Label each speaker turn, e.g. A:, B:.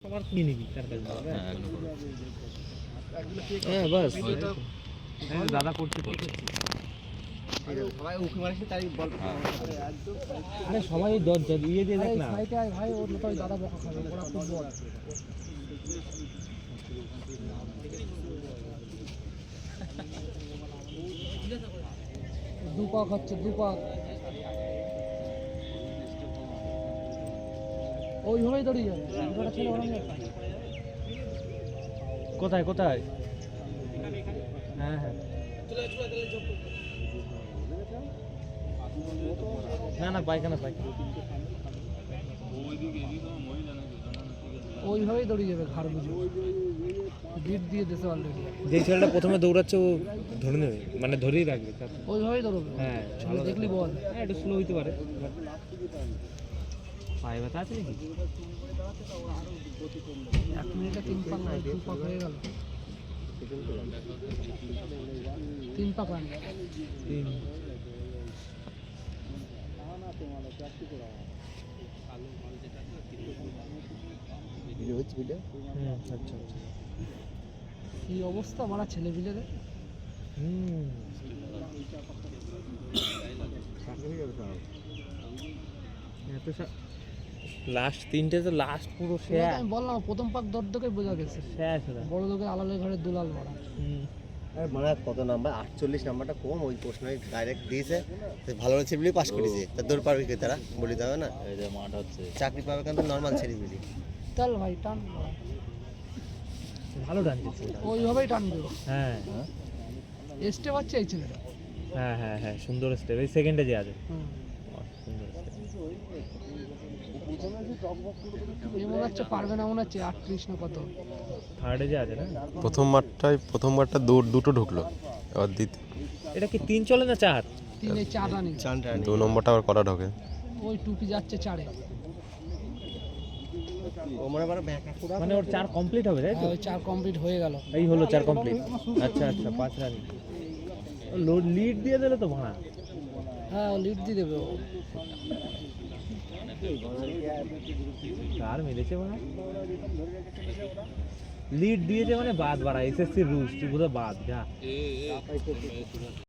A: তোমার কি নিবি তার কাছে হ্যাঁ বাস হ্যাঁ দাদা করতে সবাই উকি মারছে তাই বল আরে সবাই দর দিয়ে দিয়ে দেখ না সাইডে ভাই ওর তো দাদা বকা খাবে ওরা ফুটবল দুপাক হচ্ছে দুপাক ওইভাবেই দড়ি যাবে দুটো ছেলে ওরম কোথায় কোথায় হ্যাঁ হ্যাঁ না না পায়খানা পায়খানা ওইভাবেই দড়ি যাবে ঘাড় বুঝে বিট দিয়ে দেশে অলরেডি যে ছেলেটা প্রথমে দৌড়াচ্ছে ও ধরে নেবে মানে ধরেই রাখবে ওইভাবেই দৌড়বে হ্যাঁ ভালো দেখলি বল হ্যাঁ একটু স্লো হইতে পারে পায়ে ব্যথা আছে নাকি 1 মিনিটে 3 পাক না 2 পাক হয়ে গেল 3 পাক রান 3 আচ্ছা কি অবস্থা মারা ছেলে পিলেদের লাস্ট তিনটে তো লাস্ট পুরো শেষ আমি বললাম প্রথম পাক দর্দকে বোঝা গেছে শেষ বড় লোকের আলালের ঘরে দুলাল মারা
B: মানে কত নাম্বার 48 নাম্বারটা কম ওই প্রশ্নই ডাইরেক্ট দিয়েছে ভালো ছেলেপিলি পাস করেছে তা দৌড় পারবে কি তারা বলি যাবে না এই যে মাঠ হচ্ছে চাকরি পাবে কিন্তু নরমাল ছেলেপিলি
A: চল ভাই টান ভালো টানছে ওইভাবেই টানবে হ্যাঁ স্টেপ আছে এই ছেলেটা হ্যাঁ হ্যাঁ হ্যাঁ সুন্দর স্টেপ এই সেকেন্ডে যে আছে মনে হচ্ছে পারবে না মনে হচ্ছে 38 না কত থার্ডে যে আছে না
C: প্রথমবারটা দুটো ঢুকলো এবার দ্বিতীয়
A: এটা কি 3 চলে না 4 3 এ 4 রানিং
C: 2 নম্বরটা আবার কটা ঢোকে
A: ওই টুপি যাচ্ছে 4 এ ও মানে ওর 4 কমপ্লিট হবে তাই তো ওই 4 কমপ্লিট হয়ে গেল এই হলো 4 কমপ্লিট আচ্ছা আচ্ছা 5 রানিং লিড দিয়ে দিলে তো ভাড়া হ্যাঁ লিড দিয়ে দেবে কার মিলেছে মানে লিড দিয়েছে মানে বাদ বাড়া এসএসসি রুলস তুই বোধহয় বাদ যা